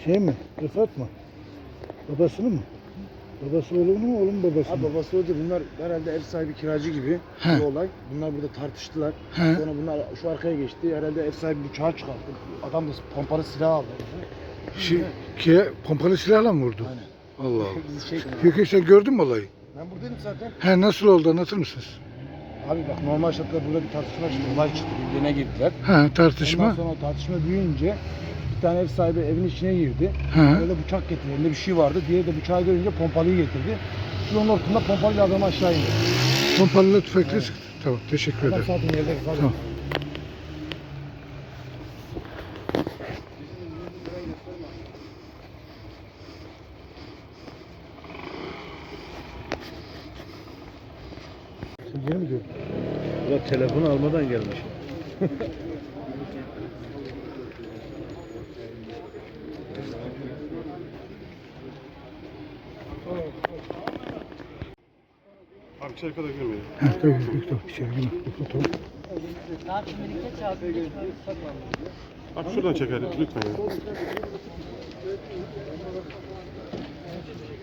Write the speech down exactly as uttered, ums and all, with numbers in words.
Şey mi? Rıfat mı? Babasını mı? Babası oğlunu mu, oğlun babası Abi mı? babası öldü. Bunlar herhalde ev sahibi kiracı gibi He. bir olay. Bunlar burada tartıştılar. He. Sonra bunlar şu arkaya geçti. Herhalde ev sahibi bıçağı çıkarttı. Adam da pompalı silah aldı. Şey, ki, pompalı silahla mı vurdu? Aynen. Allah Allah. Bizi şey Peki sen gördün mü olayı? Ben buradaydım zaten. He, nasıl oldu, anlatır mısınız? Abi bak normal şartlarda burada bir tartışma çıktı. Olay çıktı. Birbirine girdiler. He, tartışma. Ondan sonra o tartışma büyüyünce bir tane ev sahibi evin içine girdi. He. Öyle bıçak getirdi. Elinde bir şey vardı. Diğeri de bıçağı görünce pompalıyı getirdi. Şu yolun ortasında pompalıyla adamı aşağı indi. Pompalı tüfekle Evet. sıktı. Tamam, teşekkür Adam ederim. zaten yerde. Tamam. Sen yeni mi gördün? Ulan telefonu almadan gelmiş. Abi içeri kadar girmeyin. He, tabii, tabii, içeri girme. Tamam. Abi şuradan çekelim lütfen ya.